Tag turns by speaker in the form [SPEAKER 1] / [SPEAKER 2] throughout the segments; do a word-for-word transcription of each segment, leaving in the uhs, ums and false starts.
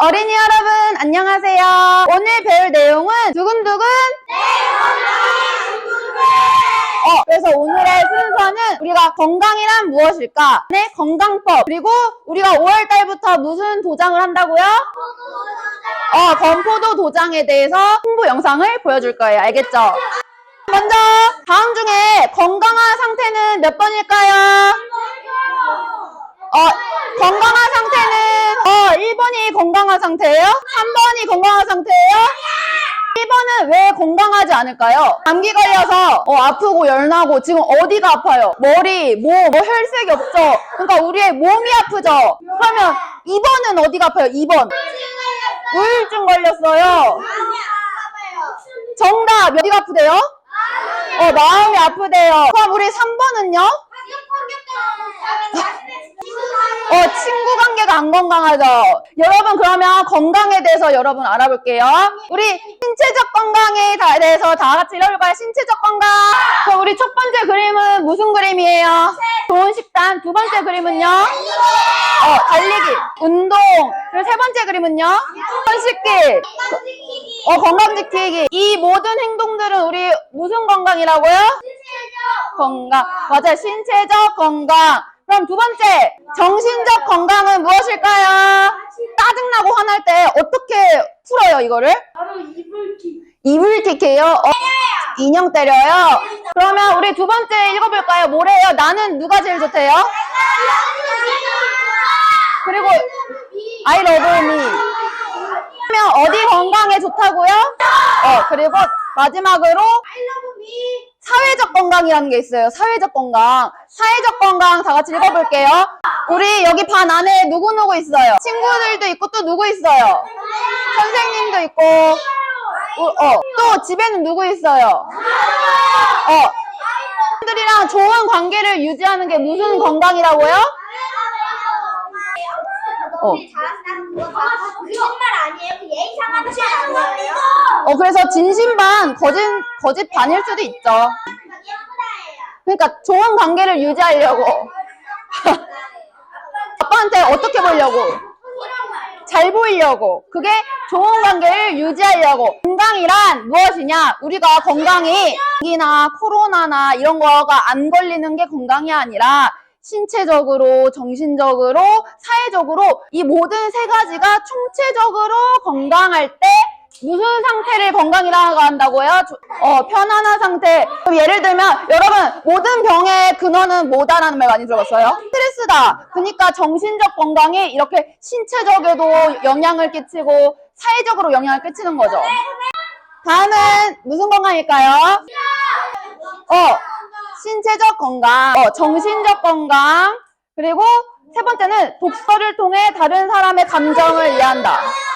[SPEAKER 1] 어린이 여러분 안녕하세요. 오늘 배울 내용은 두근두근 어, 그래서 오늘의 순서는 우리가 건강이란 무엇일까? 네, 건강법. 그리고 우리가 오월 달부터 무슨 도장을 한다고요? 어, 건포도 도장에 대해서 홍보 영상을 보여줄 거예요. 알겠죠? 먼저 다음 중에 건강한 상태는 몇 번일까요? 어, 건강한 상태는 어, 일 번이 건강한 상태예요? 삼 번이 건강한 상태예요? 일 번은 왜 건강하지 않을까요? 감기 걸려서 어, 아프고 열나고 지금 어디가 아파요? 머리, 몸, 뭐 혈색이 없죠? 그러니까 우리의 몸이 아프죠? 그러면 이 번은 어디가 아파요? 이 번 우울증 걸렸어요. 정답! 어디가 아프대요? 어, 마음이 아프대요. 그럼 우리 삼 번은요? 어, 친구 관계가 안 건강하죠? 여러분, 그러면 건강에 대해서 여러분 알아볼게요. 우리 신체적 건강에 대해서 다 같이 읽어볼까요? 신체적 건강. 그럼 우리 첫 번째 그림은 무슨 그림이에요? 좋은 식단. 두 번째 그림은요? 어, 달리기, 운동. 그리고 세 번째 그림은요? 손 씻기. 어, 건강 지키기. 이 모든 행동들은 우리 무슨 건강이라고요? 건강. 맞아요. 신체적 건강. 그럼 두 번째, 정신적 건강은 무엇일까요? 짜증나고 화날 때 어떻게 풀어요, 이거를?
[SPEAKER 2] 바로 이불킥.
[SPEAKER 1] 이불킥해요? 어, 인형 때려요? 그러면 우리 두 번째 읽어볼까요? 뭐래요? 나는 누가 제일 좋대요? 그리고 I love me. 그러면 어디 건강에 좋다고요? 어, 그리고 마지막으로 사회적 건강이라는 게 있어요. 사회적 건강. 사회적 건강 다 같이 읽어볼게요. 우리 여기 반 안에 누구누구 있어요? 친구들도 있고 또 누구 있어요? 선생님도 있고 어, 또 집에는 누구 있어요? 어, 사람들이랑 좋은 관계를 유지하는 게 무슨 건강이라고요? 어.
[SPEAKER 2] 거짓말 아니에요? 그 예의 상하는 말 아니에요?
[SPEAKER 1] 어, 그래서 진심 반, 거짓, 거짓 반일 수도 있죠. 그러니까 좋은 관계를 유지하려고. 아빠한테 어떻게 보려고? 잘 보이려고. 그게 좋은 관계를 유지하려고. 건강이란 무엇이냐? 우리가 건강이 감기나 코로나나 이런 거가 안 걸리는 게 건강이 아니라 신체적으로, 정신적으로, 사회적으로 이 모든 세 가지가 총체적으로 건강할 때 무슨 상태를 건강이라고 한다고요? 어, 편안한 상태. 그럼 예를 들면 여러분 모든 병의 근원은 뭐다라는 말 많이 들어봤어요? 스트레스다. 그러니까 정신적 건강이 이렇게 신체적에도 영향을 끼치고 사회적으로 영향을 끼치는 거죠. 다음은 무슨 건강일까요? 어, 신체적 건강, 어, 정신적 건강, 그리고 세 번째는 독서를 통해 다른 사람의 감정을 이해한다.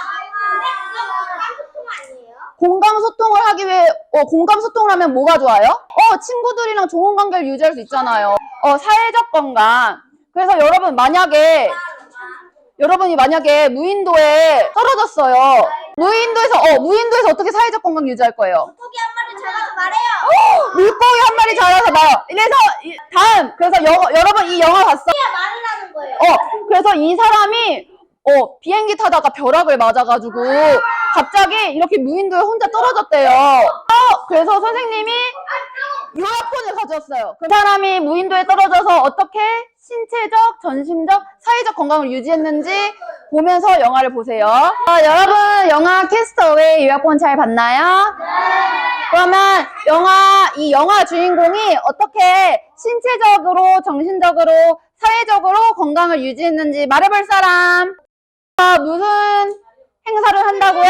[SPEAKER 1] 공감 소통을 하기 위해 어, 공감 소통을 하면 뭐가 좋아요? 어, 친구들이랑 좋은 관계를 유지할 수 있잖아요. 어, 사회적 건강. 그래서 여러분 만약에 여러분이 만약에 무인도에 떨어졌어요. 무인도에서 어 무인도에서 어떻게 사회적 건강 유지할 거예요?
[SPEAKER 2] 물고기 한 마리 잡아서 말해요.
[SPEAKER 1] 어, 물고기 한 마리 잡아서 말요. 그래서 이, 다음 그래서 여, 여러분 이 영화 봤어?
[SPEAKER 2] 말을 하는 거예요.
[SPEAKER 1] 어, 그래서 이 사람이 어 비행기 타다가 벼락을 맞아가지고 갑자기 이렇게 무인도에 혼자 떨어졌대요. 어, 그래서 선생님이 요약본을 가져왔어요. 그 사람이 무인도에 떨어져서 어떻게 신체적, 전심적, 사회적 건강을 유지했는지 보면서 영화를 보세요. 어, 여러분 영화 캐스터웨이 요약본 잘 봤나요? 네. 그러면 영화 이 영화 주인공이 어떻게 신체적으로, 정신적으로, 사회적으로 건강을 유지했는지 말해볼 사람. 어, 무슨 행사를 한다고요?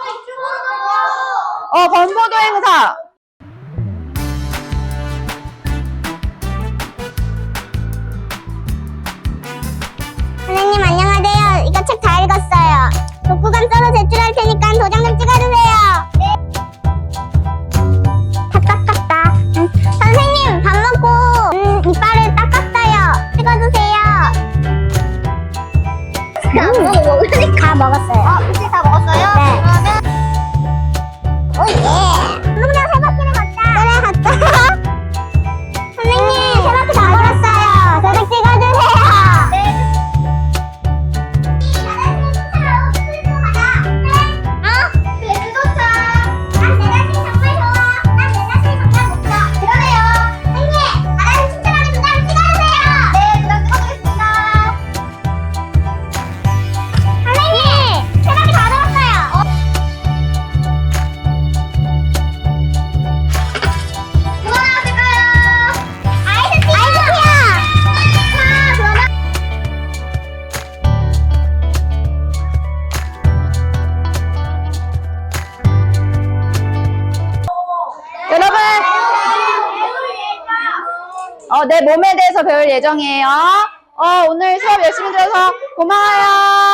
[SPEAKER 1] 어, 건포도 행사.
[SPEAKER 3] 선생님 안녕하세요. 이거 책 다 읽었어요. 독후감 써서 제출할 테니까 도장 좀 찍어주세요. 네. 다 닦았다. 응. 선생님 밥 먹고 음, 이빨을 닦았어요. 찍어주세요. 음. 다 먹었어요.
[SPEAKER 2] 어, 혹시 다 먹었어요?
[SPEAKER 3] 네.
[SPEAKER 2] 그러면
[SPEAKER 3] 오예. 그냥 세 바퀴를 걷자. 그래 갔다. 선생님 세 바퀴 다 걸었어요. 도장 찍어주세요.
[SPEAKER 2] 네.
[SPEAKER 1] 어, 내 몸에 대해서 배울 예정이에요. 어, 오늘 수업 열심히 들어서 고마워요.